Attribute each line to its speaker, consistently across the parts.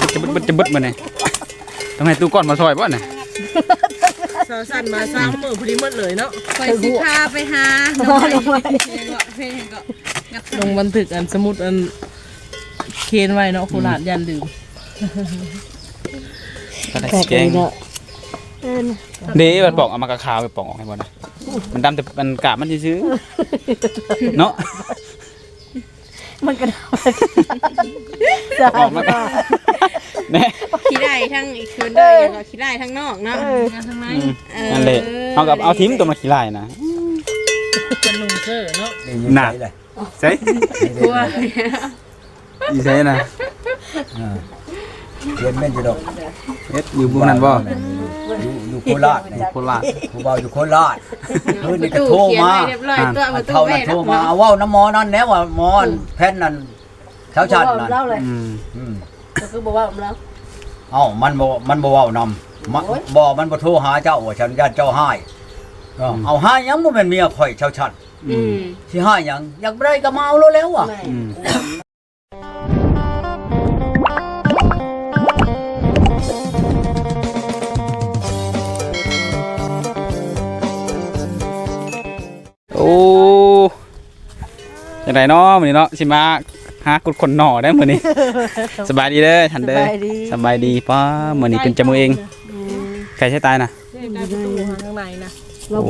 Speaker 1: จะบึดมาเนี่ยทำไมตู้ก้อนมาซอยบ่เนี่ย
Speaker 2: สาวสั่นมาสร้างมือพอดีหมดเลยเนาะ
Speaker 3: ไปสิพาไปหา
Speaker 2: ลงบันทึกอันสมุดอันเคนไว้เนาะโคราชยันลืม
Speaker 1: ก็ได้แกงเดี๋ยวมันปอกเอามากระขาวไปปอกออกให้บ่นะมันดำแต่มันกาบมันซื้อเนาะ
Speaker 3: มันกระดาษ
Speaker 1: ออกมาเนี่ย
Speaker 3: ขี้ได้ทั้งอีกคืนได้ยังก็ขี้ได้ทั้งนอกเนาะทั้งใน
Speaker 1: นั่นแหละเอากับเอาทิ้งตัวมาขี้ไล่นะ
Speaker 2: เป็นลุงเซอร์เนาะ
Speaker 1: หนักใช่
Speaker 3: กลัว
Speaker 1: อีใช่นะ
Speaker 4: เรียนแม่นอยู่ดอก
Speaker 1: อยู่บุกนั้นบ่
Speaker 4: อยู่โคราชผู้บ่าวอยู่โคราชคืนนี้ก็โทรมาเท่านั้นโทรมาเอาว้าน้ำหมอนั่นแน่ว่าหมอแพทย์นั่นเช้าชันนั่น
Speaker 3: ก็คือบอกว่าแล้ว
Speaker 4: เอ้ามันบ่เว้านำบ่มันบ่โทรหาเจ้าว่าฉันญาติเจ้าให้เอาให้ยังบ่แม่นเมียข่อยเช้าชันสิให้ยังอยากได้ก็มาเอาแล้วว่ะ
Speaker 1: โอ้จังไดเนาะมื้อนี้เนาะสิมาหากุดคนหน่อได้มื้อนี้สบายดีเด้อท่านเด้อสบายดีป้ามื้อนี้เป็นจมูกเองใครใช้ตายนะ
Speaker 2: ข้างในนะ
Speaker 1: โอ้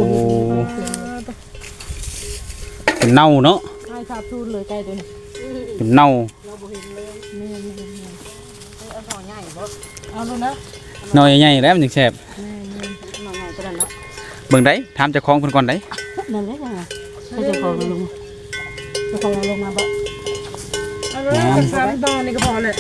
Speaker 1: เป็นเน่าเนาะ
Speaker 2: ใช่ครับทูนเลยใกล้ตัวนี้
Speaker 1: เป็นเน่า
Speaker 2: เอาเลยนะ
Speaker 1: หน่อยใหญ่แล้วมันจึงแซ่บเบิ่งได้ถามเจ้าของเพิ่นก่อนได้
Speaker 3: นั่นแหละจ้ะให้เจ้าของลงมาบ่
Speaker 2: เอาเลย3ตอนนี่ก็พอเลย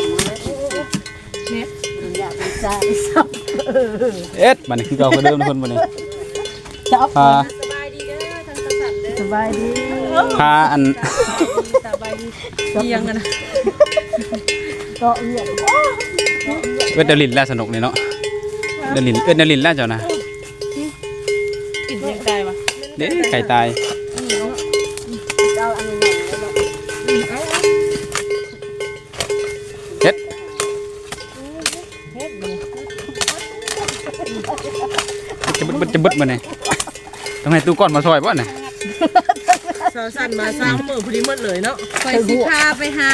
Speaker 3: เนี่ยอยากเป็นซ่า
Speaker 1: เอ็ดบัดนี้คือเก่าคือเดิมทุกคนบัดนี้
Speaker 3: จับ
Speaker 1: ส
Speaker 3: บายดีเด้อทางกษัตริย์เด้อสบายดี
Speaker 1: พาอัน
Speaker 3: สบายดี
Speaker 2: เอียงกันนะ
Speaker 3: ก็เอียง
Speaker 1: เวทเดลินแล้วสนุกนี่เนาะเดลินแล้วเจ้านะ
Speaker 2: กินยังไก่วะ
Speaker 1: เด้ไก่ตายเฮ็ดจะบึดมาเนี่ยทำไมตู้ก้อนมาซอยบ่เนี่ย
Speaker 2: สาวสั่นมาสร้างมือพอดีหมดเลยเนาะ
Speaker 3: ไปสิพาไปหา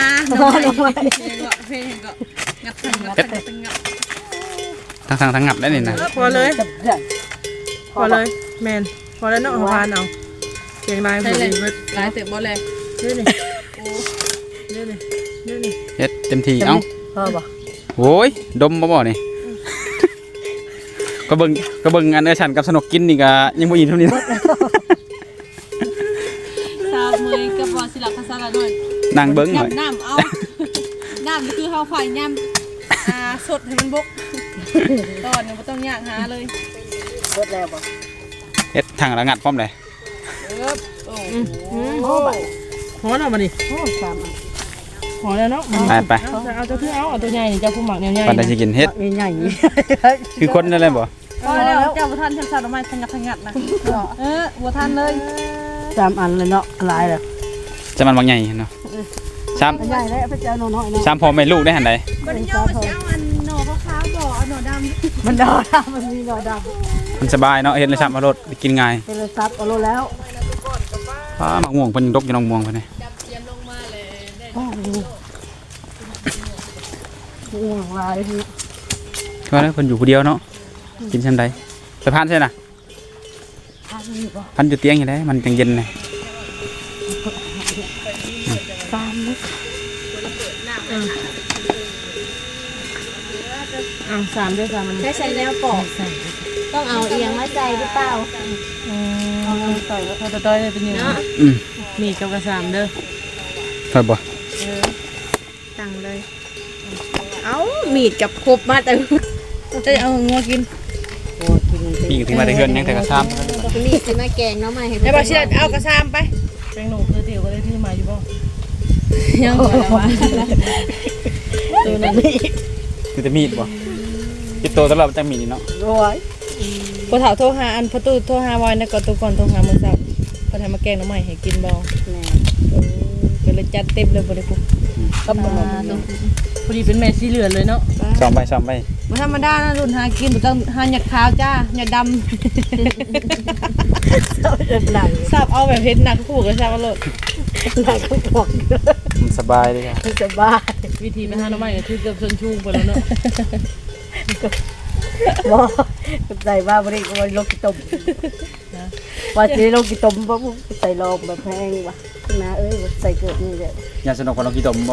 Speaker 1: ทางงับได้นี่นะ
Speaker 2: พอเลยแมนพอแล้วเนาะพานเอาเสียงลายพอดี
Speaker 3: ลายเตะบอลเลย
Speaker 2: นี่
Speaker 1: เฮ็ดเต็มที่เอ้า
Speaker 3: พอบ่
Speaker 1: โว้ยดมบ่นี่ก็เบิ่งอันฉันกับสนุกกินนี่ก็ยังบ่อิ่มเท่านี้นะ
Speaker 3: สาวมือกับบอสิลักภาษาละหน่อย
Speaker 1: นั่งเบิ่งหน่อย
Speaker 3: น้ำเอาน้ำคือเฮาฝ่ายย่ำสดให้มันบกตอนนี้บ่ต้องยากหาเลย
Speaker 2: สดแล้วบ่
Speaker 1: เฮ็ดทางระงัดพร้อมเลย
Speaker 2: พอแล้วมาดิพอแล้วเนาะ
Speaker 1: ไป
Speaker 2: เอาตัวที่เอาตัวใหญ่นี่เจ้าผู้หมักใหญ่ๆ
Speaker 1: ปันได้สิกินเฮ็ด
Speaker 2: ใหญ่
Speaker 1: คือคนนั่นแหละบ่
Speaker 3: พอแล้วเจ้าบ่ทันทำออกมาทังงัดนะบ่ทันเลย
Speaker 2: 3อันเลยเนาะหลายแล้ว
Speaker 1: จะมันบางใหญ่เนาะ
Speaker 2: ใหญ่แล้วพระเจ้าน้อยๆเนาะ
Speaker 1: 3พ่อแม่ลูกได้หั่นใด
Speaker 3: บ่ได้ย่อสิเอาอันหน่อขาวๆบ่เอาหน่อดำ
Speaker 2: มันหน่อดำมันมีหน่อดำ
Speaker 1: มันสบายเนาะเฮ็ดเลยซ้ำเอารถกินง่าย
Speaker 2: เฮ็ดเลยซับเอารถแล้ว
Speaker 1: มะม่วงเพิ่นดกอยู่น้องม่วงเพิ่นนี่
Speaker 2: ห่วงลายพี่
Speaker 1: ก็แล้วเพิ่นอยู่ผู้เดียวเนาะกินชั้นใดไปพานใช่น่ะพันอยู่เตียงอยู่ได้มันจังเย็นเลย
Speaker 2: 3ด้วย3มัน
Speaker 3: ใช้แล้วปอกต้องเอาเอียงมาใจหรือเปล่า
Speaker 2: เอาต่อยแล้วเขาจะต่อยได้เป็นยังไงมีกับกระ3เด้อ
Speaker 1: ครับบ่
Speaker 3: ตั้งเลยเอามีดกับครบมาแต่จะเอางัวกิน
Speaker 1: มีถึงมาได้เฮือนยังแต่กระซ้
Speaker 3: ำมีดสิมาแกงเนาะใหม่ให้
Speaker 2: ได้บ่เชื่อเอากระซ้ำไปแกงหนูคือเตี๋ยวก็ได้ที่มาอยู่บ่
Speaker 3: ยังบ่ได้ว่า
Speaker 2: ตัวนั้นนี่
Speaker 1: คือจะมีดบ่คิดโตตลอดจังมีนี่เนาะ
Speaker 2: โอ้ยพอถามโทรหาอันประตูโทรหาไว้นะก็ตัวก่อนโทรหามื้อเช้าพอทำมาแกงหน่อไม้ให้กินบ่ก็เลยจัดเต็มเลยบ่ได้ปุ๊บ
Speaker 3: ก็บ่
Speaker 2: พอดีเป็นแม่สีเหลืองเลยเนาะ
Speaker 1: ซ้อมไป
Speaker 2: บ่ธรรมดานะรุ่นหากินบ่ต้องหาหยัดขาวจ้าหยัดดำทราบเอาแบบเฮ็ดหนักคู่ก็ทราบเอาโลด
Speaker 1: มันสบายเลยครับ
Speaker 5: สบาย
Speaker 2: วิธีไปหาหน่อไม้ก็คือเกือบชนชูงไปแล้วเนาะ
Speaker 5: บ่ใส่บ้าบ่ได้ก็ว่าโลกิตมว่าสิโลกิตมบ่ใส่ลองแบบแพงว่ะนะเอ้ยใส่เกิดนี่แหละ
Speaker 1: อย่าสนุกกับน้องกีตมบ่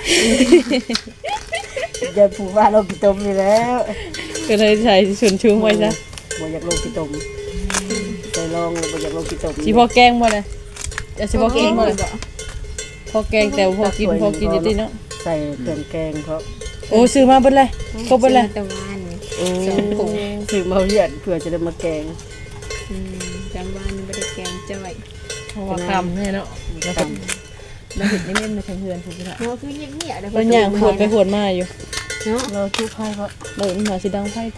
Speaker 5: อย่าพูดว่าโลกิตมนี่แล้ว
Speaker 2: ก็เลยใส่ชนชูงไว้ซะ
Speaker 5: บ่อยากโลกิตมใส่ลองแล้วบ่อยากโลกิตม
Speaker 2: สิพอแกงบ่เลยจะสิพอแกงบ่เลยพอแกงแต่พอกินอยู่ติเนาะ
Speaker 5: ใส่เครื่องแกงเพราะ
Speaker 2: โอ้ซื้อมาเบิดเลยครบเบิดเลย
Speaker 3: ตะวัน
Speaker 2: โอ้
Speaker 5: ซื้อมาเฮียนเพื่อจะได้มาแกง
Speaker 3: จังวันบ่ได้แกงจ้อย
Speaker 2: เพราะว่าคำเนี่ยเนาะแล้วก็แล้วเห็นนี่เล่นมาทางเฮือนพุ่นน่ะ
Speaker 3: เพราะคือเงียบๆเด้
Speaker 2: เพิ่นย่างขวดไปขวดมาอยู่
Speaker 3: เนาะ
Speaker 5: เราทุกข์ให้เพราะ
Speaker 2: เบิ่งหน่อยสิดังไฟติ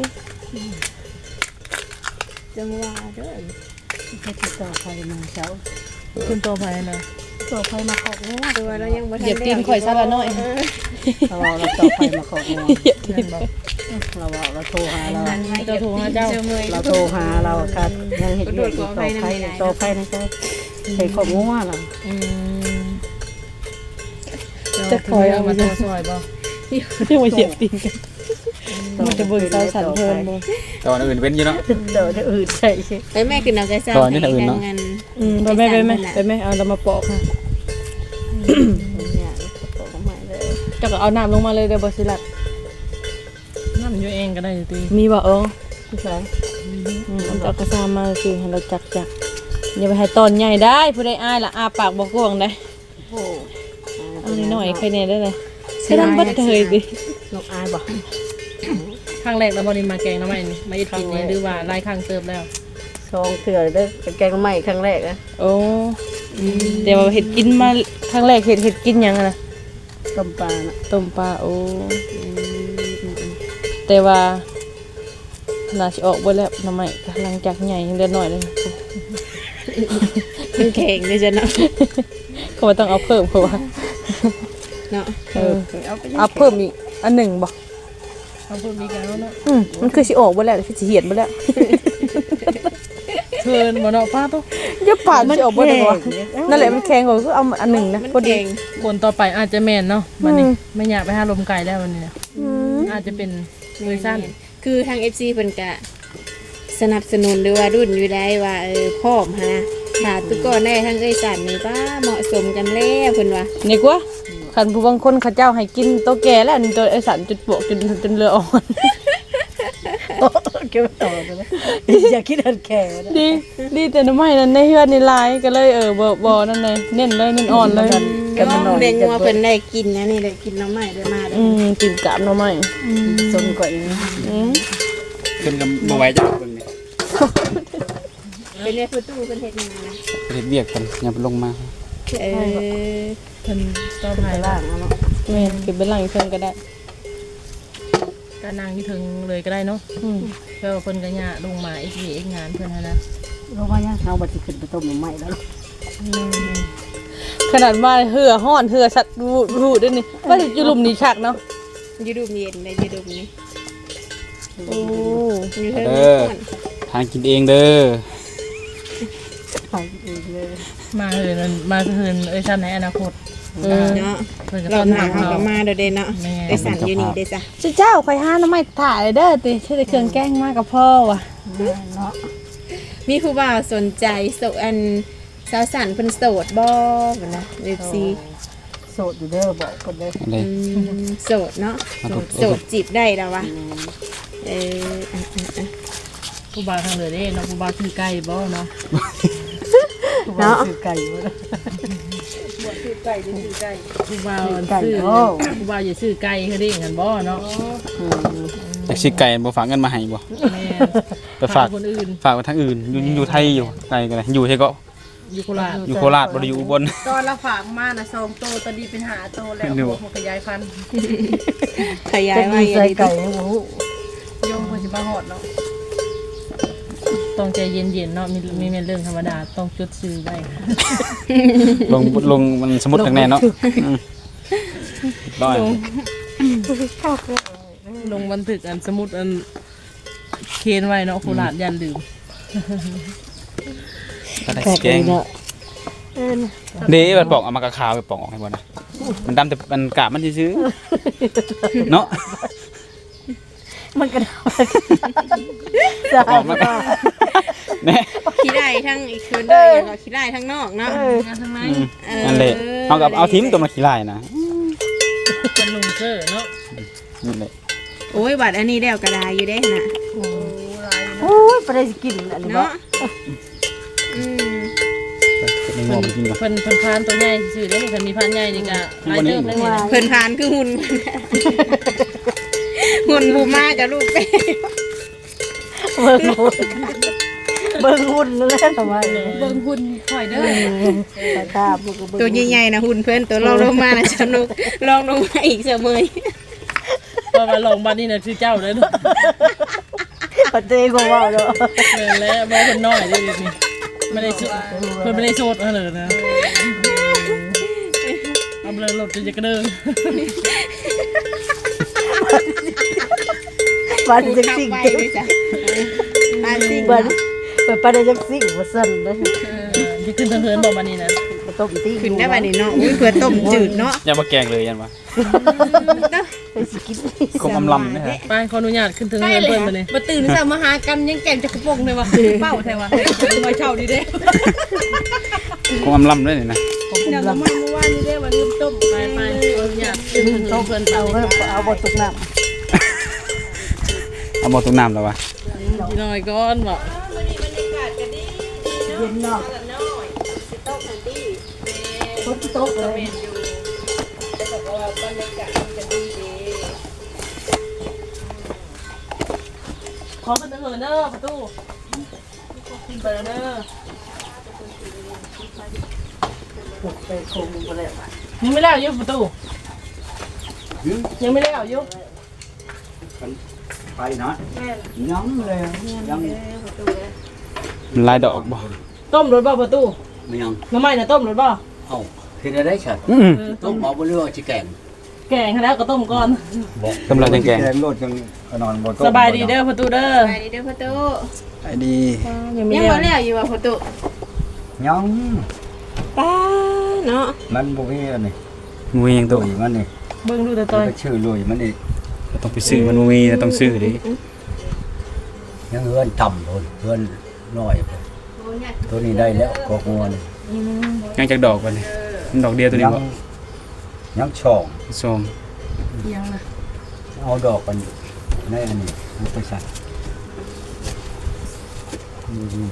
Speaker 3: จังว่าเด้อ
Speaker 5: ให้ติดต่อใครมาเช้า
Speaker 2: ขึ้นตัวไฟนะ
Speaker 5: ต่อใครมาของัว
Speaker 3: ตัวเรายังบ่ทัน
Speaker 2: เหยียบตีนข่อยซะละน้อย
Speaker 5: เราต่อใครมาของัว
Speaker 2: นั่นบ่
Speaker 5: เราโทรหาเรา
Speaker 2: เจ้าโทรหาเจ้า
Speaker 5: เราโทรหาเรากันยังเห็นอยู่ต่อใครนะจ๊ะใครของัวเรา
Speaker 2: อืมจะคอยเอามาตัวซอยบ่ยังมาเหยียบตีนกันมันจะเบิ่งสาวสันเพิ่นบ่
Speaker 1: ตอนอื่นเว้นอยู่เนาะ
Speaker 5: เดี๋ยวอื่นใช่ใช่
Speaker 3: ไปแม่กินเอาไก่ซ่า
Speaker 1: ตอนนี้น่ะอื่นเนาะ
Speaker 3: งาน
Speaker 2: ไปไหมเอาเรามาปอกค่ะ
Speaker 5: เนี่ยขอมาเลย
Speaker 2: เจ้าก็เอาน้ำลงมาเลยเด้อบ่สิลัดน้ำอยู่เองก็ได้ติมีบ่
Speaker 5: ผู้ชาย
Speaker 2: เอาจักกระซามมาสิให้เราจักอย่าไปให้ตอนใหญ่ได้ผู้ใดอายล่ะอาปากบ่กว้างได้
Speaker 5: โอ้
Speaker 2: เอาน้อยๆใครแน่ได้เลยใช้น้ำบัดเทยดิ
Speaker 5: นกอายบอก
Speaker 2: ครั้งแรกแล้วบ่ได้มาแกงน้ำมันนี่มาเฮ็ดกินนี่หรือว่าหลายครั้งเติบแล้ว
Speaker 5: ซองเถื่อนเด้อแกงใหม่ครั้งแรกนะ
Speaker 2: โอ้แต่ว่าเห็ดกินมาครั้งแรกเห็ดกินหยังอะนะ
Speaker 5: ต้มปลาน่ะ
Speaker 2: ต้มปลาโอ้แต่ว่าน่าสิออกเบ่แล้วน้ำใหม่หลังจากใหญ่ยังเดือนน้อยเลย
Speaker 3: แข็งเลยจ้ะเนาะ
Speaker 2: เขาว่าต้องเอาเพิ่มเพราะว่า
Speaker 3: เนาะ
Speaker 2: เอาเพิ่มอีกอันหนึ่งบ่เอาเพิ่มอีกแล้วเนาะมันคือสิออกเบ่แล้วคือสิเหียดเบ่แล้วเทินบ่เนาะป้าตุ๊อย่าปาดมันสิออกเบ่ได้บ่นั่นแหละมันแข็งกว่าคือเอาอันหนึ่งนะพอดีคนต่อไปอาจจะแม่นเนาะบัดนี้ไม่อยากไปหาลมไก่แล้ววันนี้อาจจะเป็นเวอร์ชั่น
Speaker 3: คือทาง FC เพิ่นก็สนับสนุนหรือว่ารุ่นอยู่ได้ว่าพร้อมหั่นนะถ้าตุกคนได้ทางเอ้ยสันนี่ป้าเหมาะสมกันแล้วเพิ่นว่า
Speaker 2: นี่กว่าคันผู้บางคนเขาเจ้าให้กินโตแก่แล้วนี่ตัวไอ้สันจุดบวกจนเรืออ่อน
Speaker 5: เกี่ยวต่อเลยอย่าคิดอันแก่นะ
Speaker 2: ดีแต่น้ำไม่นั้นในเฮือนในลายก็เลยบ่นั่นเลยเน้นเลยเน้นอ่อนเลย
Speaker 3: ก็เรียนว่าเพิ่นได้กินนะนี่ได้กินน้ำใหม่ได้มาได้
Speaker 2: กินกาบน้ำไม่
Speaker 5: สนกว่าอีก
Speaker 1: ขึ้นกับบ่ไหวจ้ะเบิ่งนี่
Speaker 3: เป็นในประตูเพิ่นเฮ็ดงานนะ
Speaker 1: เฮ็ดเวียกกันอย่าไปลงมา
Speaker 3: เออ
Speaker 2: เพิ่นต่อ
Speaker 5: ไป
Speaker 2: ไป
Speaker 5: ล่างเนาะ
Speaker 2: แม่นเก็บไปหลังเพิ่นก็ได้ก็นั่งที่ถึงเลยก็ได้เนาะเพื่อเพิ่นก็ย่าลงมาอีกทีอีกงานเพิ่นนะ
Speaker 5: เราว่ายังเอาบัตรขึ้นไปต้มใหม่แล้ว
Speaker 2: ขนาดมาเหือห้อนเหือสัตว์รูด้วยนี่ว่าอยู่หลุมนี้คักเนาะ
Speaker 3: อยู่ดูมเย็นได้อยู่ดูมนี่
Speaker 2: โอ้
Speaker 3: อยู่เทิง
Speaker 1: เด้อทานกินเองเด้อ
Speaker 5: ไปเองเลย
Speaker 2: มาเหินเอ้ยชั้นในอนาคต
Speaker 3: เนาะ
Speaker 2: เพิ่นก็
Speaker 3: เรา
Speaker 2: ต้อน
Speaker 3: หนั
Speaker 2: รั
Speaker 3: ก
Speaker 2: บ
Speaker 3: เฮา
Speaker 2: เรา
Speaker 3: ก็มาเด้อเด้เนาะได้สั่นอยู่นี่ได้ซะ
Speaker 2: เจ้าข่อยหาน้ำไม้ถ่ายเด้อติใช้แต่เครื่องแกงมากับพ่อว่ะ
Speaker 5: เนาะ
Speaker 3: มีผู้บ่าวสนใจโสอันสาวสันเพิ่นโสดบ่บ่นะ FC
Speaker 5: โสดอยู่เด้อบอกคนเด้อ
Speaker 1: อะไร
Speaker 3: โสดเนาะโสดจีบได้แล้ววะเออ
Speaker 2: ผู้บ่าวทางเหนือเด้เนาะผู้บ่าวคือไก่บ่เนาะ
Speaker 5: เนาะไก่บ่
Speaker 2: ผู้บ่าว
Speaker 5: ไก่
Speaker 2: ซื้อ
Speaker 5: โอ้
Speaker 2: ผู้บ่าวอย่าซื้อไก่เขาได้กันบ่เนาะ
Speaker 1: อยากสิไก่บ่ฝากเงินมาให้บ่
Speaker 2: แม่
Speaker 1: ไปฝาก
Speaker 2: คนอื่น
Speaker 1: ฝากไว้ทางอื่นอยู่ไทยอยู่ไกลกันเลยอยู่ไทยก็
Speaker 2: อยู่โคราช
Speaker 1: อยู่โคราชบ่ได้อยู่อุบล
Speaker 2: ตอนละฝากมาน่ะ2โตตอนนี้เป็น5โตแล้ว
Speaker 1: ดู
Speaker 2: มันขยายพันธุ์
Speaker 3: ขยาย
Speaker 5: จะ
Speaker 3: ว่า
Speaker 5: มี
Speaker 3: อย่า
Speaker 5: ใส่
Speaker 3: งนี้
Speaker 5: ไก่ให้หมู
Speaker 2: โยมคนสิมาฮอดเนาะต้องใจเย็นๆเนาะมีเรื่องธรรมดาต้องจดซื้อไว้
Speaker 1: ลงมันสมมุติทางแน่เนาะได้
Speaker 2: ลงบันทึกอันสมุดอันเคนไว้เนาะโคราชยันลืม
Speaker 1: ก็ได้แกงเด้มันปอกเอามากระขาวไปปอกออกให้บ่นะมันดำแต่มันกาบมันซื่อๆเนาะ
Speaker 5: มันกระดาษ
Speaker 1: ออกมาแน่
Speaker 3: ขี้ได้ทั้งอีกคืนเด้ออย่างเราขี้ได้ทั้งนอกเนาะ
Speaker 2: งานทางไหน
Speaker 1: นั่นแหละเอากับเอาทิมตัวมาขี้ลายนะ
Speaker 2: เป็นลุงเซอร์เนาะ
Speaker 1: นี่แหละ
Speaker 3: โอ้ยบัดอันนี้แล้วกระดาอยู่ได้น่ะ
Speaker 5: โอ้ยไปได้กินอันนี้บ่
Speaker 3: เนาะอืม
Speaker 1: ในงอมันกินก่อน
Speaker 2: เพิ่นพานตัวใหญ่ซื่อได้นี่เพิ่นมีพานใหญ่นี่ก็หลายเติมเลยนี่นะ
Speaker 3: เพิ่นพานคือหุ่น หุ่นบูมาจะลูกเป้
Speaker 5: เบิ่งหุ่นนั่นแหละทำไม
Speaker 2: เบิ่งหุ่นข่อยเด้อ
Speaker 5: ตาตาบ่ก็เบิ่ง
Speaker 3: ตัวใหญ่ๆนะหุ่นเพิ่นตัวลองลงมานะสนุกลองลงมาอีกเสมอ
Speaker 2: เพราะว่าลงบัดนี่น่ะคือเจ้าเด้อเนาะ
Speaker 5: ปะเต้ก็ว่าเนาะ
Speaker 2: แม่นแล้วบ่เพิ่นน้อยเด้อนี่ไม่ได้สุดเพิ่นไม่ได้โสดเอาเลยนะเอาเลยรถจะกระเด้อ
Speaker 5: บ้านจัง
Speaker 3: เข้า
Speaker 5: สิ่ง
Speaker 3: ไปเลยจ้ะบ้านสิง
Speaker 5: บ้านเปิดปานจังสิ่งว่าซั่นเด้อ
Speaker 2: ที่ขึ้นทางเฮือนบ่มานี่นะ
Speaker 5: บ่ต้องตี
Speaker 3: ขึ้นได้บัดนี้เนาะอุ้ยเพื่อต้มจืดเนาะ
Speaker 1: อย่ามาแกงเลยยันวะ
Speaker 5: ไปสิกิน
Speaker 1: กลมอำลำนะฮะ
Speaker 2: ไปขออนุญาตขึ้นทางเฮือนเพิ่นมานี่
Speaker 3: มาตื่นซะมาหากันยังแกงจักรพงเลยว่ะเป้าแท้ว่ะมาเช่าดีเด้
Speaker 1: กลมอำลำด้วยนี่นะ
Speaker 3: เดี๋ยวเรามาเมื่อวานนี้เด้ว่าลืมต้ม
Speaker 2: ไปขออนุญาตขึ้นทางเฮือนเพิ่น
Speaker 5: เอา
Speaker 2: เอา
Speaker 5: เอาบ่ตกน้ำ
Speaker 1: เอาหมดทุกน้ำแล้ววะ
Speaker 2: พี่น้อยก่อนบ่
Speaker 5: เย็นเนาะฝนตกเลย
Speaker 2: ขอขึ้นทางเฮือนเด้อประตูขึ้นไปเด้อ
Speaker 5: ไปคงบ่แล้ว
Speaker 2: ยังไม่แล้วอยู่ประตูยังไม่แล้วอยู่
Speaker 4: ไปนะยังเลยยัง
Speaker 1: มันลายดอกบ่
Speaker 2: ต้มรถบ่ประตู
Speaker 4: ไม่ยัง
Speaker 2: น้ำไม้น่ะต้มรถบ่
Speaker 4: เอ้าเฮ็ดได้ฉัน ต้มเอาบ่เรือสิแกง
Speaker 2: แกงให้แล้วก็ต้มก่อน
Speaker 1: กำลังจะแกง
Speaker 4: โลดจังนอนบ่ต้ม
Speaker 2: สบายดีเด้อประตูเด้อ
Speaker 3: ไปดีเด้อพ่อตู้
Speaker 1: ไอ้ดี
Speaker 2: ยังไม่
Speaker 3: ยัง
Speaker 2: แล้ว
Speaker 3: บ่แล้วอยู่ว่ะพ่อตู้
Speaker 4: ยัง
Speaker 3: ป้าเนาะ
Speaker 4: มันบ่มีอันนี้
Speaker 1: งูยัง
Speaker 4: ตั
Speaker 1: ตัว ว
Speaker 4: มันนี่
Speaker 2: เบิ่งดูแต่ต่อย
Speaker 4: ชื่อลุยมันอีก
Speaker 1: ต้องไปซื้อมันมีต้องซื้อดิ
Speaker 4: ยังเฮือนต่ำพุ่นเฮือนน้อยพุ่นตัวนี้ได้แล้วกอกงวน
Speaker 1: ยังจากดอกก่อนนี่มันดอกเดียวตัวนี้บ่
Speaker 4: ยังช่อง
Speaker 1: ส้ม
Speaker 2: ยังนะ
Speaker 4: เอาดอกกันในอันนี้เอาไปใส่อืม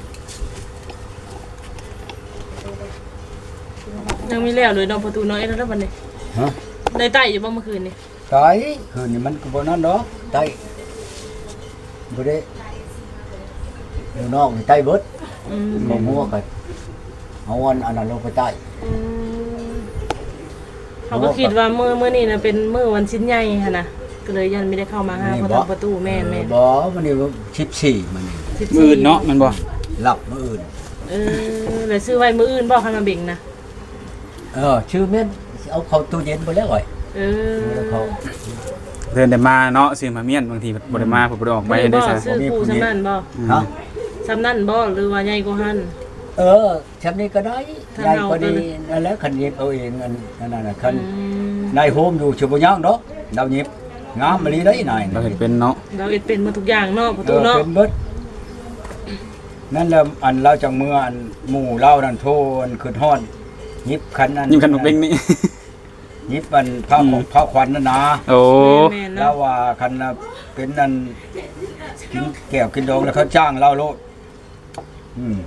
Speaker 2: ยังไม่แล้วเลยเนาะประตูน้อยแล้วบัดนี้
Speaker 4: ฮะ
Speaker 2: ได้ไต่อยู่บ่เมื่อคืนนี่
Speaker 4: ตายคืนนี้มันก็บ่นั่นดอกตายบ่ได้อยู่นอกนี่ตายเบิด
Speaker 2: อืม
Speaker 4: บ่มัวกันเอาอันนั้นลงไปใต้
Speaker 2: เขาก็คิดว่ามื้อนี้น่ะเป็นมื้อวันชิ้นใหญ่หั่นน่ะก็เลยยันไม่ได้เข้ามาหาเพราะทางประตูแม่น
Speaker 4: บ่มันนี่14มันนี่
Speaker 2: ๆ
Speaker 1: มือเนาะมันบ่
Speaker 4: หลับมื้ออื่น
Speaker 2: แล้วซื้อไว้มื้ออื่นบ่คันมาเบ่งนะ
Speaker 4: ชื่อแม่นเอาเข้าตู้เย็นไปแล้วไว้ แล้วเขา
Speaker 1: เดินแต่มาเนาะซื้อมาเมียนบางทีบ่ได้มาบ่ได้ออกไปได้ซะ
Speaker 2: ซื้อคู่สำนั่นบ่
Speaker 4: ฮะ
Speaker 2: สำนั่นบ่หรือว่าใหญ่กว่าหั่น
Speaker 4: แชมนี้ก็ได้
Speaker 2: ถ้า
Speaker 4: ได้
Speaker 2: เรา
Speaker 4: ก็ดี
Speaker 2: ก็
Speaker 4: นั่นแหละคันเย็บเอาเองอันนั้นน่ะคันได้โฮมอยู่ชิบ่ย่างดอกดาวเย็บงามมะลีได้นาย
Speaker 1: เราเห็นเป็นเนาะ
Speaker 2: เราเอ็ดเป็นมาทุกอย่างเนาะประตูเนาะ
Speaker 4: เป็นเบิดนั่นแหละอันเราจังเมื่ออันหมู่เรานั่นโทนขึ้นฮอดยิบคันนั้น
Speaker 1: ยิ่งขนมเบ้งนี่
Speaker 4: ยิบอันผ้าของผ้าขวัญนั่นนะ
Speaker 1: โอ้
Speaker 2: แม่น
Speaker 4: แล้
Speaker 2: เนาะ
Speaker 4: วว่าคันน่ะเป็นนั่นกินแก้วกินดองแล้วเขาจ้างเราโลดอืม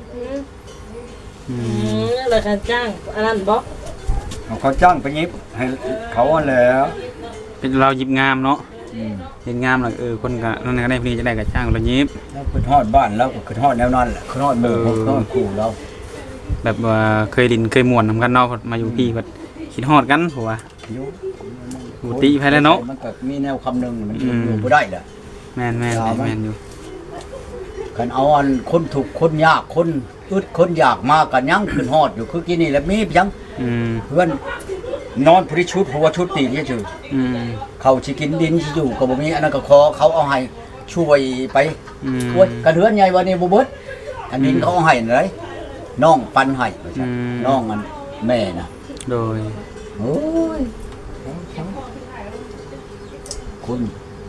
Speaker 2: แล้วการจ้างอันนั้นบ่
Speaker 4: เขาจ้างไปยิบให้เขาอันแหล้ว
Speaker 1: เป็นเราหยิบงามเนาะเห็นงามแล้วคนก็นั่นก็ได้พอดีจะได้ก็จ้างเราหยิบ
Speaker 4: แล้วขึ้นฮอดบ้านแล้วก็ขึ้นฮอดแนวนั้นแหละขึ้นฮอดหมู่ขึ้นฮอดคู่เรา
Speaker 1: แบบว่าเคยดินเคยม่วนนำกันเนาะมาอยู่พี่ก็คิดฮอดกันผัว
Speaker 4: อยู่
Speaker 1: หูติไปแล้วเนาะ
Speaker 4: มันก็มีแนวคำหนึงมันอยู่บ่ได้แหละ
Speaker 1: แม่นอยู่
Speaker 4: คันเอาอันคนถูกข์คนยากคนอึดคนอยากมากันยังขึ้นฮอดอยู่คือกินนี่แหละมีเพียง
Speaker 1: อืม
Speaker 4: เพื่อนนอนพริชุดหัวชุดตีนี่ชื่อ
Speaker 1: อืม
Speaker 4: เขาสิกินดินสิอยู่ก็บ่มีอันนั้นก็ขอเขาเอาให้ช่วยไป
Speaker 1: อืม
Speaker 4: โอ้ยกระเดือนใหญ่วันนี้บ่เบิดอันดินเขาเอาให้นั่นเลยน้องปันให้ว่าซั่นน้องอันแม่น่ะ
Speaker 1: โดย
Speaker 4: โอ้ยคุณ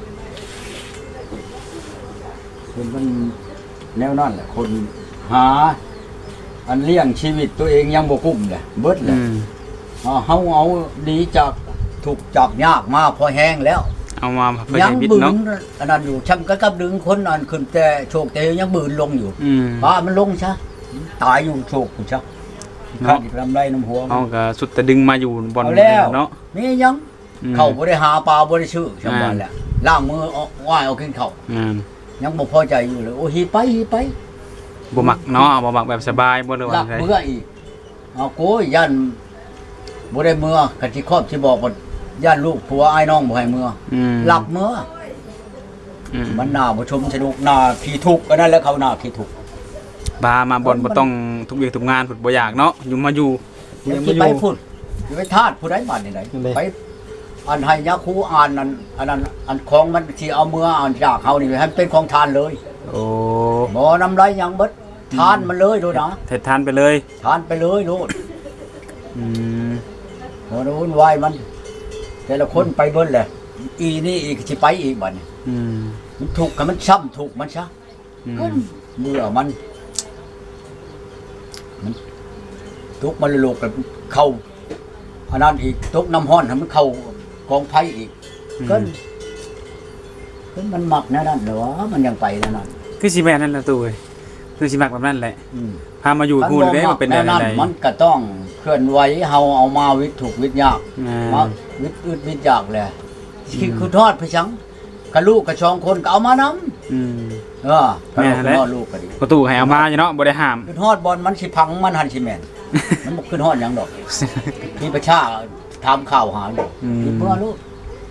Speaker 4: มันแนวนั่นแหละคนหา อันเลี้ยงชีวิตตัวเองยังบ่กุ้มเลยเบิดเล
Speaker 1: อื
Speaker 4: ย
Speaker 1: ม
Speaker 4: เฮาเอาดีจากถูกจับยากมาพอแห้งแล้ว
Speaker 1: เอามาเพื่อ
Speaker 4: ยัง
Speaker 1: ชีวิต
Speaker 4: บืน
Speaker 1: เนาะ
Speaker 4: อันนั้นอยู่ช่างก็กับดึงคนอันขึ้นแต่โชคแต่ยังบืนลงอยู่
Speaker 1: อืม
Speaker 4: ป้ามันลงซะตายอยู่โชคกูซะข้าอีกลำไรน้ำหัว
Speaker 1: เอาก็สุดแต่ดึงมาอยู่บน
Speaker 4: เอาแล้ว
Speaker 1: เนาะ
Speaker 4: นี่ยัง
Speaker 1: อืม
Speaker 4: เข้าบ่ได้หาปลาบ่ได้ชื่อจังหวะแหละล้างมือเอาว่ายเอากินข้าว
Speaker 1: อืม
Speaker 4: ยังบ่พอใจอยู่เลยโอ้ฮีไปฮีไป
Speaker 1: บ่มักเนาะบ่มักแบบสบายบ่ได้ว่า
Speaker 4: ลัก
Speaker 1: ไง
Speaker 4: เมื่ออีกเอาโกยยันบ่ได้เมื่อกันที่ครอบที่บอกว่ายันลูกผัวอ้ายน้องบ่ให้เมื่อ
Speaker 1: อืม
Speaker 4: หลับเมื่อ
Speaker 1: อืม
Speaker 4: มันน่าบ่ชมสนุกน่าขี้ทุกข์อันนั้นแหล้วเขาน่าขี้ทุกข์
Speaker 1: บามาบ่บ่ต้องทุกเวียกทุกงานพุ่นบ่อยากเนาะอยู่มาอยู่
Speaker 4: อย่า
Speaker 1: ยัง
Speaker 4: สิ
Speaker 1: บ่อ
Speaker 4: ไป
Speaker 1: ยู่
Speaker 4: พูดอย่าไปทาสผู้ใดบ้านนี่ไหน
Speaker 1: นั่นเลย
Speaker 4: ไปอันให้ยาคูอ่านนั้นอันนั้นอันของมันที่เอาเมื่ออ่านจากเขานี่ให้มันเป็นของทานเลย
Speaker 1: โอ้
Speaker 4: บ่นำไรหยังเบิดทานมันเลยโดดนะ
Speaker 1: เททานไปเลย
Speaker 4: ทานไปเลยโลด
Speaker 1: อืม
Speaker 4: บ่ได้วุ่นวายมัน แต่ละคนไปเบิดแหละอีนี่อีกสิไปอีกบัดนี้
Speaker 1: อืม
Speaker 4: มันถูกกับมันช้ำถูกมันซะ
Speaker 1: อืม
Speaker 4: เมื่อมันทุกมันโลกกับเข้าอันนั้นอีกทุกน้ำห้อนให้มันเข้ากองไฟอีกก็มันมักแนั่นนั่นเหรอมันยังไปแนั่นนั่น
Speaker 1: คือสิแม่นนั่นล่ะตู้เอ้ยคือสิมักแบบนั้นแหละ
Speaker 4: อืม
Speaker 1: พามาอยู่พูดได้ว่าเป็นได้
Speaker 4: นั่น
Speaker 1: ได
Speaker 4: มันก็ต้องเคลื่อนไหวเฮาเอามาวิทย์ถูกวิทย์ยาก
Speaker 1: อ่า
Speaker 4: มาวิทย์อึดวิทย์ยากแหละคือทอดไปชังกับลูกกับช่องคนก็เอามานำ
Speaker 1: อืม
Speaker 4: ก็เราคือทอดลูกก็ดี
Speaker 1: ประตูให้เอามาอยู่เนาะบ่ได้ห้าม
Speaker 4: คือทอดบอลมันสิพังมันหันสิแม่นมันบ่คือทอดหยังดอกมีประชาถามข่าวหาอยู่
Speaker 1: อืม
Speaker 4: ที่เพื่อลูก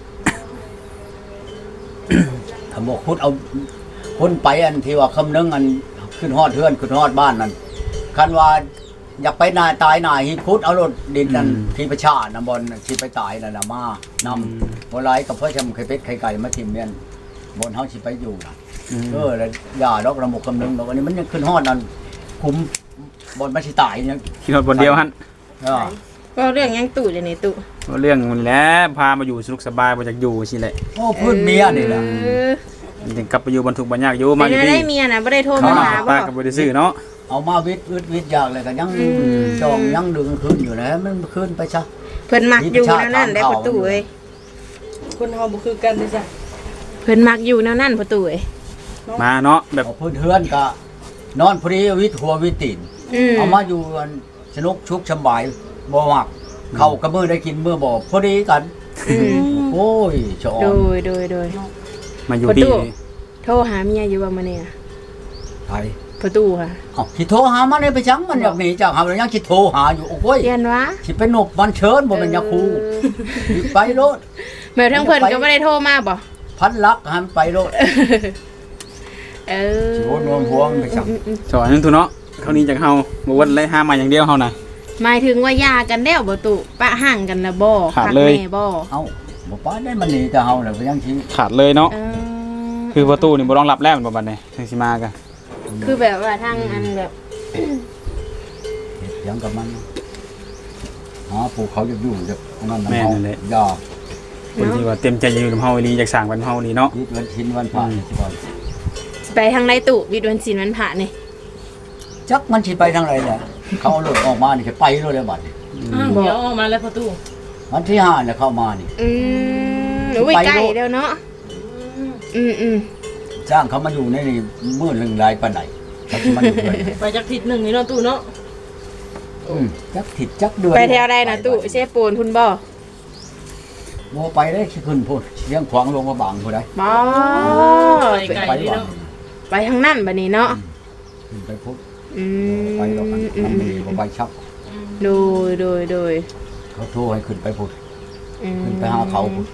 Speaker 4: ถ้าบอกพูดเอาคนไปอันที่ว่าคำนึงอันขึ้นฮอดเฮือนขึ้นฮอดบ้านนั่นคันว่าอยากไปนายตายนายฮิพุทธเอารถดินนั่นที่ประชานะบอลที่ไปตายนั่นน่ะมานำบ่หลายกับเพื่อชำไข่เป็ดไข่ไก่มาทิ่มเนี่ยบนเฮาสิไปอยู่น่ะ
Speaker 1: อืม
Speaker 4: แล้วอย่าดอกระบบคำนึงดอกอันนี้มันยังขึ้นฮอดนั่นคุมบนมันสิตายเนี่ย
Speaker 1: คิดฮอดบนเดียวหั่น
Speaker 3: ก็เรื่องยังตู่เลยนี่ตู่
Speaker 1: เรื่องมันแหล้วพามาอยู่สนุกสบายบ่อยากอยู่สิแหละ
Speaker 4: โอ้พื้นเมียนี่แหละ
Speaker 1: ถึงกลับไปอยู่บรรทุกบรรยากอยู่
Speaker 3: มา
Speaker 1: มาอยู่
Speaker 3: ได้
Speaker 1: ดี
Speaker 3: เมียนะไม่ได้โทร
Speaker 1: เขา
Speaker 3: มา
Speaker 1: มา
Speaker 3: หา
Speaker 1: ป้า
Speaker 3: บ่
Speaker 1: กับบริซื้อเนาะ
Speaker 4: เอามาวิทย์ยากเลยก็ยังจองยังดึงขึ้นอยู่นะมันขึ้นไปซะ
Speaker 3: เพิ่นมักอยู่แนวนั้นได้ประตูเอ้ย
Speaker 2: คนเฮาบ่คือกันเด้จ้ะ
Speaker 3: เพิ่นมักอยู่แนวนั้นประตูเอ้ย
Speaker 1: มาเนาะแบบ
Speaker 4: เอาพื้นเฮือนก็นอนพรีวิทย์หัววิทย์ตีน เอามาอยู่กันสนุกชุกสบายบ่มักเข้ากับมือได้กินมือบ่พอดีกัน โอ้ยชอ
Speaker 3: โด
Speaker 4: น
Speaker 3: ย
Speaker 1: มาอยู่
Speaker 3: ประ
Speaker 1: ดี
Speaker 3: ตู โทรหาเมียอยู่ว่ามื้อนี้
Speaker 4: ไผ
Speaker 3: ประตูค่ะ
Speaker 4: เอ้าสิโทรหามันได้ไปจังมันอยากหนีจากหาแล้วยังสิโทรหาอยู่โอ้ย
Speaker 3: เรียนวะ
Speaker 4: สิไปนบมันเชิญบ่เป็นยาคูสิไปโลด
Speaker 3: แม่ทั้งเพิ่นก็บ่ได้โทรมาบ่
Speaker 4: พันลักหันไปโลด
Speaker 3: เออ
Speaker 4: สิวนวมพวงไปจัง
Speaker 1: สอนนึงทุเนาะเขานี้จากเฮาบ่ว่าเลยห้ามมาอย่างเดียวเฮาน่ะ
Speaker 3: หมายถึงว่าหย่ากันแล้วบ่ตุปะห่างกันแล้วบ่
Speaker 1: ขาดเลย
Speaker 3: แม่บ่
Speaker 4: เอ้าบ่ป้าได้มันหนีแต่เฮาแล้วก็ยังสิ
Speaker 1: ขาดเลยเนาะ
Speaker 3: เออ
Speaker 1: คือประตูนี่บ่ต้องรับแล้วมันบ่บัดนี้ถึงสิมากัน
Speaker 3: คือแบบว่าทางอันแบบ
Speaker 4: เฮ็ดหยังกับมันผู้เขาจะอยู่จะนั่นน่ะเฮาอย่า
Speaker 1: คนที่ว่าเต็มใจอยู่กับเฮาอีหลีอยากสร้างบ้านเฮาอีหลีเนาะ
Speaker 4: คิดวันชิ้นวันผ่านสิบ่
Speaker 3: ไปทางไรตุวิดวันศีลวันพระนี่
Speaker 4: จักมันสิไปทางไหนแหละเขาเอารถออกมานี่สิไปเลยบัดนี้
Speaker 2: เดี๋ยวออกมาแล้วประตู
Speaker 4: วันที่5เนี่ยเข้ามานี่
Speaker 3: อุ้ยไกลเดียวเนาะอืม
Speaker 4: จ้างเขามาอยู่ในนี่มื้อหนึงหลายปานใดเขาสิมาอยู่ด้วย
Speaker 2: ไปจากทิศหนึ่งนี่เนาะตู้เนาะ
Speaker 4: จักผิดจักเดือน
Speaker 3: ไปแถวใดนะตุเชฟปูนพุ่นบ่
Speaker 4: บ่ไปได้สิขึ้นพุ่นเสียงขวางลงมาบางพุ่นได้
Speaker 3: บ่
Speaker 2: ไปไกล
Speaker 4: ไป
Speaker 2: นี่
Speaker 4: บ่
Speaker 2: เนาะ
Speaker 3: ไปทางนั้นบัดนี้เนาะ
Speaker 4: ขึ้นไปพุ่น
Speaker 3: อืม
Speaker 4: ไปดอกอันนั้นมีบ่ไปชัก
Speaker 3: โดย
Speaker 4: เขาโทรให้ขึ้นไปพุ่น
Speaker 3: อืม
Speaker 4: ขึ้นไปหาเขาพุ่น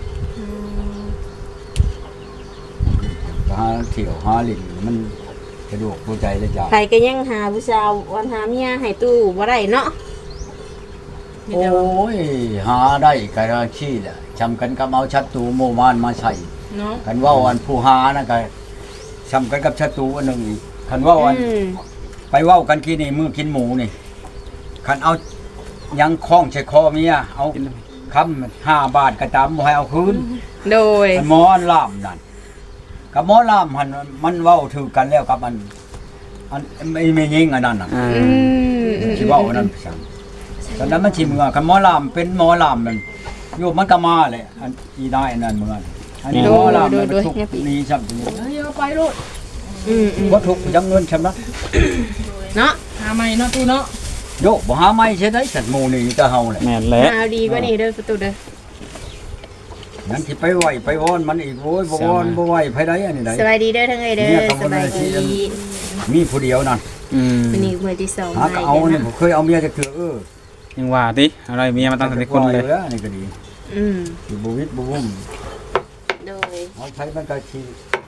Speaker 4: ไปหาเที่ยวหาลิ้นมันสะดวกตัวใจเลยจ้ะ
Speaker 3: ใครก็ยังหาผู้สาววันหาเมียให้ตู้บ่ได้เนาะ
Speaker 2: มี
Speaker 4: โอ้
Speaker 2: แต่ว่าย
Speaker 4: หาได้กะขี้แหละชำกันกับเอาชัตรูโมมานมาใส่
Speaker 2: เนาะ
Speaker 4: คันว่าอันผู้หานะก็ชำกันกับชัตรูอันหนึงอีกคันว่าอัน ไปเว้ากันกินนี่มือกินหมูนี่คันเอายังคล้องใช้คอเมียเอาคำ5 บาทก็ตามบ่ให้เอาคืน
Speaker 3: โดย
Speaker 4: มันหมอล่ามนั่นกับหมอล่ามหันมันเว้าถือกันแล้วกับอันไม่ยิงอันนั้นน่ะ
Speaker 1: อ่า
Speaker 4: สิเว้าอันนั้นซั่นตอนนั้นมันสิเมือกับหมอล่ามเป็นหมอล่ามนั่นอยู่มันก็มาเลยอันอีได้อันนั้นเมือนอันนี้หมอล่ามมันทุกนี้ซ้ํตัวนี้
Speaker 2: เฮ้ยเอาไปโลด
Speaker 4: บ่ทุกจังเงินซ้ํนะ
Speaker 3: เนาะ
Speaker 2: หาใหม่เนาะตู้เนาะ
Speaker 4: โยบ่หาไม่ใช่ได้สัตว์หมู่นี่ก็เฮาแหละ
Speaker 1: แม่นแหละ
Speaker 3: เอาดีกว่านี้เด้อประตูเด้อ
Speaker 4: นั่นสิไปไหวไปวอนมันอีกโว้ยบ่วอนบ่ไหวไผได้อันนี้ได้
Speaker 3: สบายดีเด้อทั้งเอ้ยเด้อ
Speaker 4: เนี่ยต้อง
Speaker 3: สบายดี
Speaker 4: มีผู้เดียวนั่น
Speaker 3: วันนี้มื้อที่2
Speaker 4: หาก็เอานี่ผมเคยเอาเมียจักเทื่อ
Speaker 1: ยังว่าติอะไรเมียมาตั้งแต่คนเลย
Speaker 4: แล้วนี่ก็ดี
Speaker 3: อืม
Speaker 4: สิบ่วิตบ่วุ่ม
Speaker 3: โดย
Speaker 4: เอาใช้มันก็สิ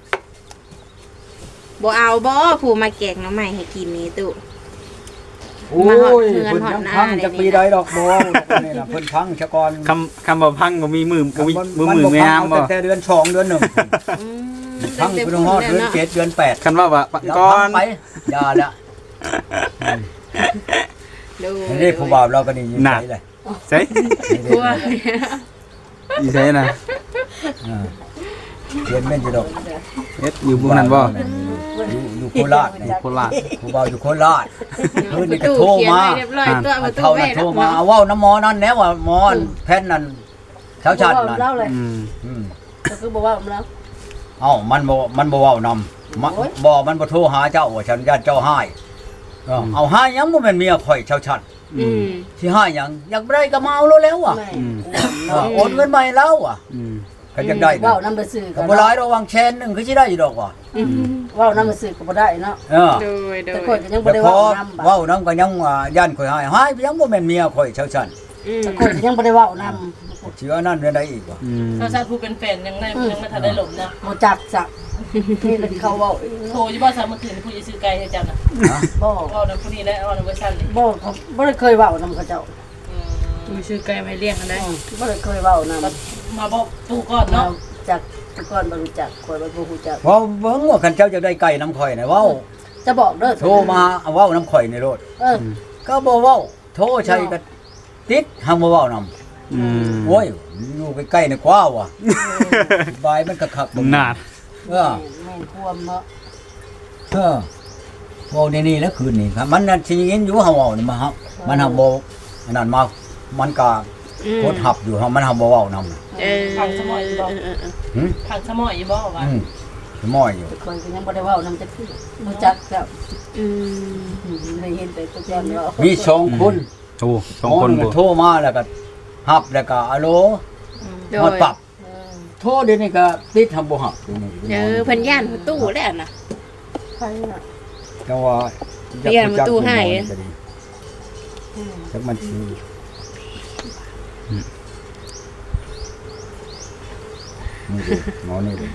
Speaker 3: บ่เอาบ่ผู้มาแกงหน้ำใหม่ให้กินนี่ตู้
Speaker 4: โอ้
Speaker 3: มาฮอด
Speaker 4: ย
Speaker 3: เฮือน
Speaker 4: เพิ่น
Speaker 3: ฮอด
Speaker 4: ยัง
Speaker 3: หน้า
Speaker 4: พัง
Speaker 3: เลย
Speaker 4: จัก
Speaker 3: นี่
Speaker 4: ปีใดดอกบ่นี่น่ะเพิ่นพังซะก่อน
Speaker 1: คำบ่พังบ่มีมือบ่มีมือ
Speaker 4: มัน
Speaker 1: มือ
Speaker 4: บ่
Speaker 1: ไม่
Speaker 4: พัง
Speaker 1: งาม
Speaker 4: เอา
Speaker 1: บ่
Speaker 4: แต่เดือน2เดือน1
Speaker 3: อืม
Speaker 4: พังเพิ่นฮอดเดือน7เดือน8
Speaker 1: คันว่าว่า
Speaker 4: แล้ว
Speaker 1: ก่อ
Speaker 4: พั
Speaker 1: น
Speaker 4: งไปอย่าละ
Speaker 3: โดย
Speaker 4: นี่ผู้บ่าวเราก็นี่ยินใจเลย
Speaker 1: ใช่
Speaker 3: กลัว
Speaker 1: อีใช่น่ะ
Speaker 4: อ่าเรียนแม่นอยู่ดอก
Speaker 1: เฮ็ดอยู่บ่นั่นบ่
Speaker 4: อยู่โคราชนี่
Speaker 1: โคราช
Speaker 4: ผู้บ่าวอยู่โคราชเพิ่นนี่ก็โทรมา
Speaker 3: เรียบร้อยตัวประตู
Speaker 4: เท่า
Speaker 3: แม่
Speaker 4: นั้นโทรมาเอาเว้าน้ำหมอนั่นแหล้วว่าหมอนแผ่นนั่นเช้าชัดนั่น
Speaker 5: เล่าเลย
Speaker 1: อืม
Speaker 4: อืม
Speaker 5: ก็คือบอกว่าผมแล้ว
Speaker 4: เอ้ามันบ่เว้านำบ่มันบ่โทรหาเจ้าว่าฉันญาติเจ้าให้เอาให้หยังบ่แม่นเมียข่อยเช้าชัด
Speaker 3: อืม
Speaker 4: สิให้หยังอยากได้ก็มาเอาแล้วว่ะ
Speaker 1: อืม
Speaker 4: โอนเงินมาให้แล้วว่ะ
Speaker 1: อืม
Speaker 4: ก็จังได้
Speaker 5: ว่าวน้ำไปซื้อ
Speaker 4: ก็บ่หลายดอกวางแชนนึงคือสิได้อยู่ดอกว่ะ
Speaker 5: ว่าวน้ำไปซื้อก็บ่ได้เนาะ
Speaker 4: เออ
Speaker 3: โดยโด
Speaker 5: แต่
Speaker 3: ย
Speaker 5: คนก็ยังบ่
Speaker 4: แต่
Speaker 5: ได้
Speaker 4: พอ
Speaker 5: ว่าวน้ำ
Speaker 4: เว้านำก็ยังว่าย่านข่อยให้ยังบ่แม่นเมียข่อยเช้าชัด
Speaker 3: อืม
Speaker 5: แต่คนก็ยังบ่ได้ว่าวน้
Speaker 4: เชื่อนั่นได้อีกว่ะ
Speaker 1: อืม
Speaker 2: ถ้าชาติผู้เป็นแฟนยังได้ยังไม่ทันได้หลบนะ
Speaker 5: ำบ่จักจักนี่เลยเขาเว้า
Speaker 2: โทรอยู่บ่สามมื้อคืนผู้จะซื้อไก่ให้เจ้าน่ะ
Speaker 5: บ่
Speaker 2: เว้านํผู้นี้และเว้านํเวอร์ชันนี่
Speaker 5: บ่เขาบ่ได้เคยเว้านำเขาเจ้า
Speaker 2: ผู้ซื้อไก่ไว้เลี้ยงกันได้
Speaker 5: บ่ได้เคยเว้านำ
Speaker 2: มาบอกตู้ก่อนเนาะ
Speaker 5: จักแต่ก่อนบ่รู้จักคนบ่รู้จัก
Speaker 4: เว้าเบิ่งว่าคันเจ้าจะได้ไก่น้ำข่อยน่ะเว้า
Speaker 5: จะบอกเด้อ
Speaker 4: โทรมาเอาเว้าน้ำข่อยในรถ ก็บ่เว้าโทรใช้ก็ติดหังบ่เว้านำ
Speaker 1: อืม
Speaker 4: โอ้ยอยู่ใกล้ๆนี่กว่าว่ะบายมันก็คัก
Speaker 1: นาน
Speaker 4: เออ
Speaker 5: แม่นความเนาะ
Speaker 4: เออเว้านี่แล้วคืนนี้ครับมันนั่นสิยินอยู่เฮาเว้านี่มาครับมันหักบ่อันนั้นมามันก็โคตรหับอยู่เฮามันหักบ่เว้านำ
Speaker 3: เออ
Speaker 2: พังสมอยอยู่บ่
Speaker 4: หึ
Speaker 2: พังสมอยอยู่บ่ว่า
Speaker 4: ม้อยอยู่
Speaker 5: แต่คนก็ยังบ่ได้เว้านำจักคือบ่จักครับ
Speaker 3: อืม
Speaker 5: ได้เห็นแต่ตัวก่อนเนาะ
Speaker 4: มี2คน
Speaker 1: โอ้สองคน
Speaker 4: ห
Speaker 1: บ่
Speaker 4: โทรมาแล้วก็หับแล้วก็อะโหล
Speaker 3: โด
Speaker 4: ฮอด
Speaker 3: ย
Speaker 4: ปรับโทรเดี๋ยวนี้ก็ติดหับบ่หับเดี๋ยวนี้
Speaker 3: เพิ่นย่านประตูแล้วน่ะ
Speaker 5: ใครน่ะ
Speaker 4: จังว่า
Speaker 3: เรียนประตูให้
Speaker 4: จักมันสินี่ดิหมอนี่ดิ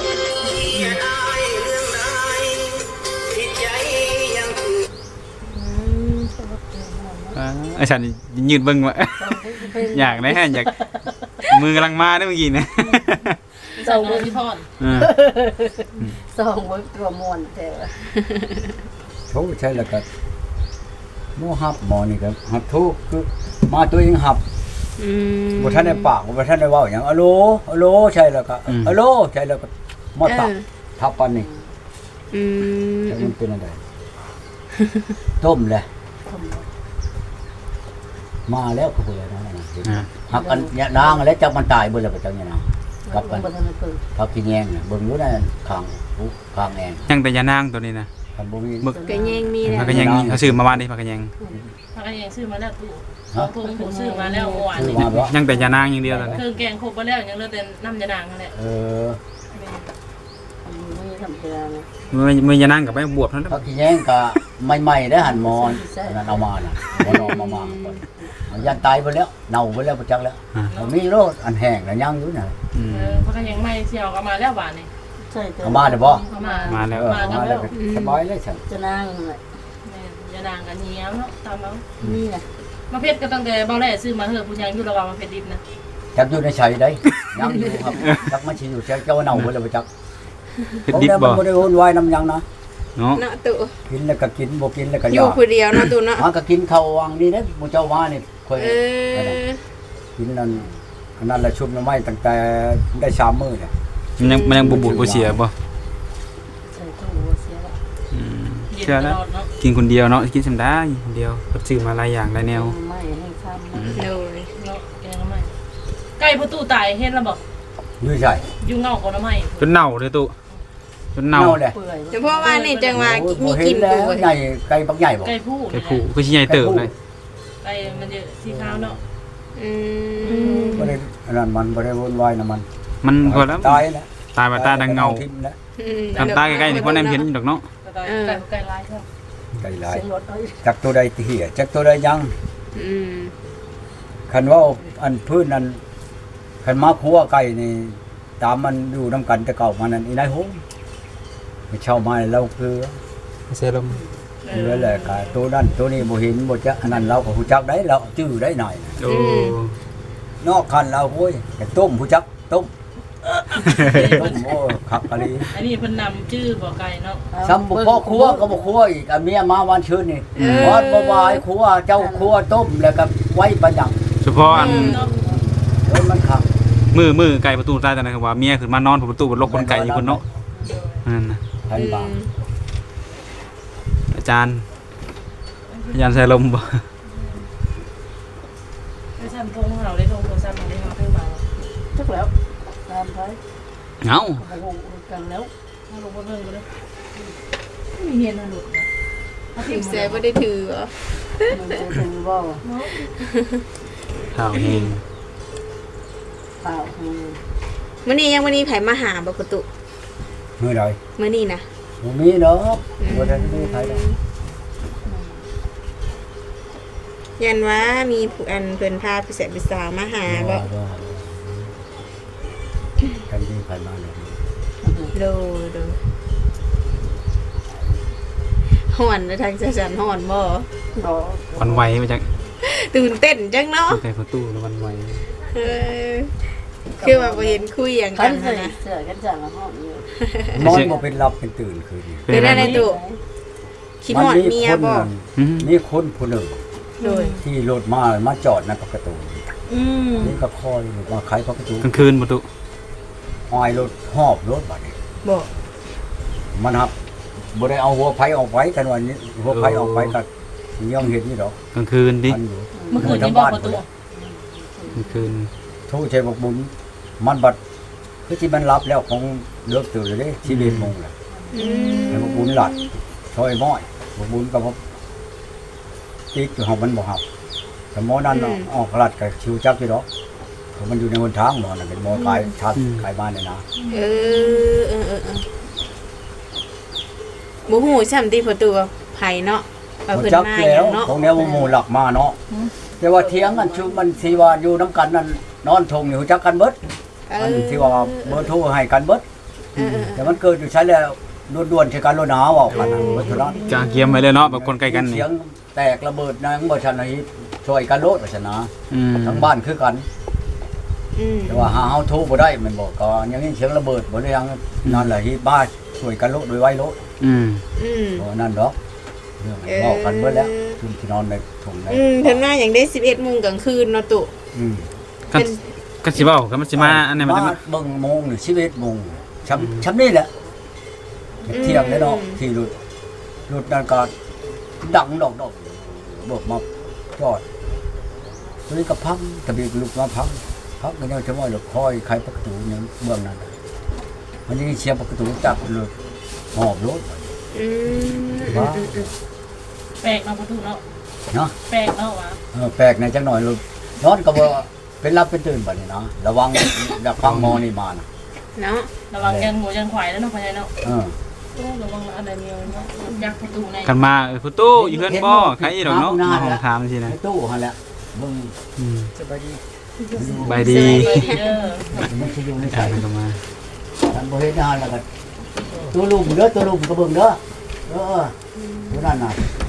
Speaker 1: ไอ้ฉันยืนเบิ่งว่า อยากได้ฮะอยากมือกำลังมาเด้อเมื่อกี้นะ
Speaker 2: สองมือที่ทอด
Speaker 1: เออ
Speaker 5: สองบ่ตัวม่วนแต่ว่า
Speaker 4: โทรใช่แล้วก็หมอหับหมอนี่ก็หับโทรคือมาตัวเองหับ
Speaker 3: อืม
Speaker 4: บ่ทันได้ปากบ่ทันได้เว้าหยังอะโหลอะโหลใช่แล้วก็อะโหลใช่แล้วก็มาตับทับปันนี่
Speaker 3: อืม
Speaker 4: แต่มันเป็นอะไรต้มเลยมาแล้วก็บ่ได้นะหักกันเนี่ยนางแล้วจักมันตายเบิ่แล้วก็จังเนี่ยนะกลับกัน
Speaker 5: บ่ทันได้เปิด
Speaker 4: พักกินแยงน่ะเบิ่งอยู่นั่นข้างหูข้างแอง
Speaker 1: ยังแต่ยานางตัวนี้นะ
Speaker 4: คันบ่มี
Speaker 1: มึก
Speaker 3: ก็ยังมีแล้ว
Speaker 1: พักกันยังเขาซื้อมาบ้านนี่พักกันยัง
Speaker 2: พักกันยังซื้อมาแล้วตู้สองถุงผมซื้อมาแล้วเมื่อวาน
Speaker 4: ซื้อ
Speaker 2: นี้
Speaker 4: มาบ่
Speaker 1: ยังแต่ยานางอย่างเดียวเลย
Speaker 2: เครื่องแกงครบไปแล้วยังเหลือแต่น้ำยานางนั่นแหละ
Speaker 4: เออ
Speaker 5: ไม่ทำเพื่อนะ
Speaker 1: มือยานางกับไปบวบนั่น
Speaker 4: พักกินแยงก็ใหม่ๆได้หั่นหมอนนั่นเอามาน่ะบ่นอนมาก่อนมันยันตายไปแล้วเน่าไปแล้วบ่จักแล้วมีโรคอันแห้งน่ะยังอยู่น่ะ
Speaker 2: พักกันยังไม่เที่ยวก็มาแล้วหวานนี่
Speaker 5: ใช่แต่
Speaker 4: เอามาได้บ่
Speaker 2: เขามา
Speaker 1: มาแล้ว
Speaker 2: มากัน
Speaker 4: มา
Speaker 2: แล้
Speaker 4: แล้ว
Speaker 2: ว
Speaker 4: ก็สบายเลยฉัน
Speaker 5: จะนั่งน่ะ
Speaker 2: ยานางกันเนี้ยเนาะตามแล้ว
Speaker 5: นี่น่ะ
Speaker 2: มาเพชรก็ตั้งแต่เบาแหล่ซื้อมาเถอะผู้ยังอยู่ระหว่างมาเพชรดิบนะ
Speaker 4: จักอยู่ในไสได้ยังอยู่ครับจักมันสิอยู่เจ้าเน่าเบิดแล้วบ่จัก
Speaker 1: เฮ็ดดิบ
Speaker 4: มั
Speaker 1: บ่
Speaker 4: บ่ได้วุ่นวายนำหยังนะ
Speaker 1: เนาะ
Speaker 3: เนาะตุ
Speaker 4: กินแล้วก็กินบ่กินแล้วก็
Speaker 3: อยู่
Speaker 4: ยา
Speaker 3: ผู้เดียวเนาะตุเนาะ
Speaker 4: มันก็กินข้าววังนี่เด้หมู่เจ้าว่านี่ค่อย
Speaker 3: เออ
Speaker 4: กินนั่นอันนั้นละชุบหน่อไม้ตั้งแต่ได้3มื้อเนี่ย
Speaker 1: มันยังบ่บูดบ่เสียบ่
Speaker 5: ใส่ตู้เสียละ
Speaker 2: เย็น
Speaker 1: เชื่อ
Speaker 2: ต
Speaker 1: แล้ว
Speaker 2: ลอดเนาะ
Speaker 1: กินคนเดียวเนาะกินสำได้คนเดียวเพิ่นซื้อมาหลายอย่างหลายแนว
Speaker 5: ไม่ให้ทำ
Speaker 3: โดย
Speaker 2: เนาะแกงน้ำไม้ไก่ประตูตายเห็นแล้วบอก
Speaker 4: อยู่ใช่
Speaker 2: อยู่เงาของน้ำไม้
Speaker 1: จนเน่าเลยตุจนเน่า
Speaker 4: แหละ
Speaker 5: เปื่อย
Speaker 3: เฉพาะว่านี่จังว่ามี
Speaker 4: บ่เห็
Speaker 3: กิ
Speaker 4: น
Speaker 3: น
Speaker 4: แล้
Speaker 3: ดู
Speaker 4: วใหญ่ไก่บักใหญ่บ่
Speaker 2: ไก่ผู้
Speaker 1: ไอ้ผู้ก็สิใหญ่เติบเลย
Speaker 2: ไก่มันจะสีขาวเนาะ
Speaker 3: อืม
Speaker 4: บ่ได้อันนั้นมันบ่ได้วุ่นวายนะมัน
Speaker 1: มันก็แล้ว
Speaker 4: ตายแล้ว
Speaker 1: ตายมาตาดังเงา
Speaker 4: ทิ่มแล้ว
Speaker 1: ทำตาใกล้ๆนี่พ่อแนมเห็นอยู่ดอกเนาะ
Speaker 2: ไก่ลายครับ
Speaker 4: ไก่หลาย
Speaker 5: เสียงรถเอา
Speaker 4: จักตัวใดเหี้ยจักตัวใดยัง
Speaker 3: อืม
Speaker 4: คันว่าอันพื้นนั้นคันมาคัวไก่นี่ตามมันอยู่นํกันแต่เก่ามานั่นอีนายโหไปเช่ามาเราคือ
Speaker 1: เซรั่ม
Speaker 4: เรือแหละกะตัวนั้นตัวนี้บ่เห็นบ่จักอันนั้นเราก็ฮู้จักได้เราจื้อได้หน่อย
Speaker 1: โอ้
Speaker 4: นอกคันเราโอ้ยแต่ต้มฮู้จักต้มต้มโอ้คักกะลี
Speaker 2: อันนี้เพิ่นนำชื่อบ่อไก่เนาะ
Speaker 4: ซ้ำบ่พอครัวก็บ่ครัวอีกอันเมียมาวันชื่นนี่วอดบ่บายครัวเจ้าครัวต้มแล้วก็ไว้ประดัง
Speaker 1: เฉพาะอัน
Speaker 2: เนาะ
Speaker 4: เอ้ยมันคัก
Speaker 1: มือไก่ประตูตายแต่นะครับว่าเมียขึ้นมานอนประตูบนรถคนไก่อยู่บนเนาะนั่นน่ะ
Speaker 4: ไผบ้าง
Speaker 1: อาจารย์เซรั่มบ่
Speaker 2: ไม่ใช่ทงของเราได้ทงโทรศัพท์มาได้มาเพิ่มมา
Speaker 5: ทุกแล้วตามไป
Speaker 1: เอ้า
Speaker 5: โอ้โหกันแล้ว
Speaker 2: ถ้าลงมาเพิ่มก็ได้ไม่มีเฮียนหลุดนะ
Speaker 3: ทิมเสบ่ได้ถือเหรอ
Speaker 5: มันจะถึงบ่
Speaker 1: ข่าวเฮง
Speaker 5: เปล่า
Speaker 3: มื้อนี้ยังมื้อนี้ไผมาหาบ่ประตู
Speaker 4: มื้อใด
Speaker 3: มื้อนี้นะ
Speaker 4: บ่มีเนาะบ่ได้มีไผดอก
Speaker 3: ยันว่ามีผู้อันเพิ่นพาผู้แสบผู้สาวมาหาบ่
Speaker 4: กันดีไผมาเลย
Speaker 3: โดโดฮ้อนแล้วทางจันฮ้อนบ่
Speaker 5: บ่
Speaker 1: วันไหวมาจาก
Speaker 3: ตื่นเต้นจังเนาะ
Speaker 1: ไก่ประตูแล้ววันไหว
Speaker 3: เออคือว่าบ่เห็นคุยหยัง
Speaker 5: กั
Speaker 3: กัน น
Speaker 5: ใส่
Speaker 3: นะ
Speaker 5: เสื้อกันจังละห้องอยู่
Speaker 4: นอนบ่เป็นหลับเป็นตื่นคืนนี้
Speaker 3: เป็นอะไรตุคิดฮอดเมียบ่
Speaker 4: มีคนผู้หนึ่ง
Speaker 3: โดย
Speaker 4: ที่รถมาจอดในประตู
Speaker 3: อืม
Speaker 4: นี่ก็คอยมาไขประตู
Speaker 1: กลางคืนประตู
Speaker 4: อ้อยรถหอบรถบัดนี้
Speaker 3: บ่
Speaker 4: มันครับบ่ได้เอาหัวไผออกไว้กันวันนี้หัวไผออกไปก็ยังเห็นนี่ดอก
Speaker 1: กลางคืนดิ
Speaker 4: มันอยู่
Speaker 2: เมื่อคืนนี้บอกประตู
Speaker 1: กลางคืน
Speaker 4: โทษชัยบอกบุญมันบัดคือที่มันรับแล้วของเลิกตื่นเลยเด้ชีวิตมงแหละ
Speaker 3: อืม
Speaker 4: แล้วบอกบุญหลัดซอยม้อยบอกบุญก็บ่ติดอยู่ห้องมันบ่ฮับแต่หมอนั้นน่ะออกหลัดก็ชิวจักอยู่ดอกเพราะมันอยู่ในหนทางหมอน่ะเป็นหมอขายชัดขายบ้านเนี่ยนะ
Speaker 3: เออบ่ฮู้ซ้ำที่ประตูว่าไผเนาะว่าเพิ่น
Speaker 4: จัก
Speaker 3: มาห
Speaker 4: แล้
Speaker 3: ยั
Speaker 4: ว
Speaker 3: งเนาะ
Speaker 4: ของแนวหมู่หลักมาเนาะแต่ว่าเถียงกันชุมันสิว่าอยู่นํกันนั่นนอนทงอยู่จักกันเบิด
Speaker 3: เอ
Speaker 4: มัน
Speaker 3: อ
Speaker 4: ที่ว่าเบอร์โทรให้กันเบิด
Speaker 3: เออ
Speaker 4: แต่มันเกิดอยู่ใช้แล้วด่วนๆใช้กันโลนาเว้ากันน่ะเบิดเท่านั้น
Speaker 1: กางเกียมไว้เลยเนาะแบบคนใกล้กันนี่
Speaker 4: เสียงแตกระเบิดนางบ่ชนะช่วยกันโลดว่าชนะ
Speaker 1: อืม
Speaker 4: ทั้งบ้านคือกัน
Speaker 3: อืม
Speaker 4: แต่ว่าหาเฮาโทรบ่ได้แมันบอกก็ยังมีเสียงระเบิดบ่ได้ยังนั่นแหละที่บ้านช่วยกันโลดโดยไว้โลด
Speaker 1: อืม
Speaker 3: อืม
Speaker 4: เพราะนั่นดอกเรื่องเว้ากันเบิดแล้วคืนที่นอนในถุงใน
Speaker 3: เพิ่นมาหยังได้ 11:00 นกลางคืนเนาะตุ
Speaker 4: อืม
Speaker 1: ก็สิเว้าก็มันสิมาอันนี้มันจะ
Speaker 4: มา
Speaker 1: มา
Speaker 4: เบิ่งโมงนี่11โมงช้ำนี่แหละเที่ยงเลยเนาะที่รถนั่นก็ดังดอกบอกมาจอดตัวนี้ก็พังตะบีกลุกมาพังก็ยังจะว่าหลบคอยใครประตูยังเบื้องนั้นมันยังเชียร์ประตูจับเลยหอบรถ
Speaker 3: อืม
Speaker 4: ว่า
Speaker 2: แปลกเนาะประตูเนาะ
Speaker 4: เนาะ
Speaker 2: แปลกเนาะวะ
Speaker 4: แปลกในจังหน่อยรถนอนก็บ่เป็นรับเป็นตื่นบัดนี้นะระวังอยากฟังหมอนี่มานะ
Speaker 3: เนาะ
Speaker 2: ระวังยันหัวยันขวายแล้วเนาะพญาเนาะ
Speaker 4: เออ
Speaker 2: ระวังอะไรเนียวเนาะยักประตูใน
Speaker 1: กันมาประตูอยู่เฮือนบ่ใครดอกเนาะมาห้องถามสินะ
Speaker 4: ในตู้หั่นแหละเบิ่ง
Speaker 1: อืม
Speaker 4: สบายดี
Speaker 1: สบายดี
Speaker 2: เด้อ
Speaker 4: มันสิอยู่ใน
Speaker 1: ใช่
Speaker 4: ใส่
Speaker 1: ก็มา
Speaker 4: ท่านบ่เฮ็ดงานแล้วก็ตัวลุมเด้อตัวลุมก็เบิ่งเด้อตัวนั้นน่ะ